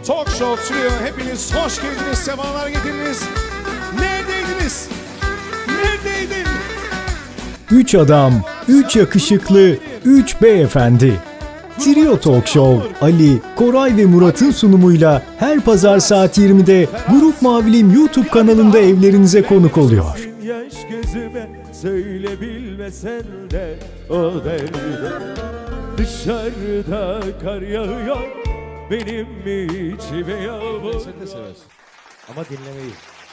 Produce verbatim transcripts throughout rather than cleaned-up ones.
Talk Show sürüyor. Hepiniz hoş geldiniz, sefalar getirdiniz. Neredeydiniz? Neredeydin? Üç adam, üç yakışıklı, üç beyefendi. Trio Talk Show, Ali, Koray ve Murat'ın sunumuyla her pazar saat yirmide Grup Mavilim YouTube kanalında evlerinize konuk oluyor. Yaş gözüme söyle bilmesen de o derde. Dışarıda kar yağıyor, benim mi içime yağmur. Sen de seversin. Ama dinlemeyi.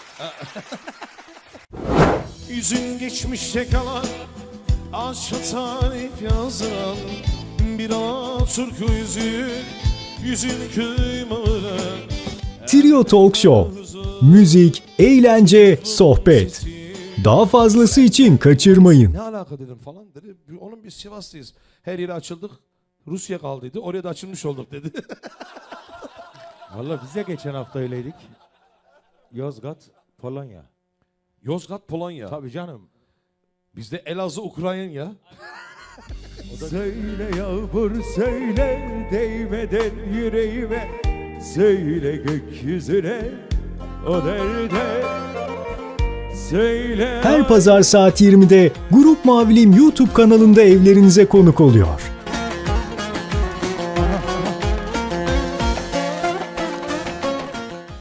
Yüzün geçmişte kalan, aşka tarif yazan bir Alaturka yüzü, yüzün kıymalı. Trio Talk Show, müzik, eğlence, sohbet. Daha fazlası için kaçırmayın. Ne alaka dedim falan dedi. Onun biz Sivas'tayız. Her yere açıldık. Rusya kaldıydı. Oraya da açılmış olduk dedi. Vallahi biz de geçen hafta öyleydik. Yozgat, Polonya. Yozgat, Polonya. Tabii canım. Bizde Elazığ, Ukrayna. Söyle yağmur söyle değmeden yüreğime. Söyle gökyüzüne o derde. Söyle. Her pazar saat yirmide Grup Mavilim YouTube kanalında evlerinize konuk oluyor.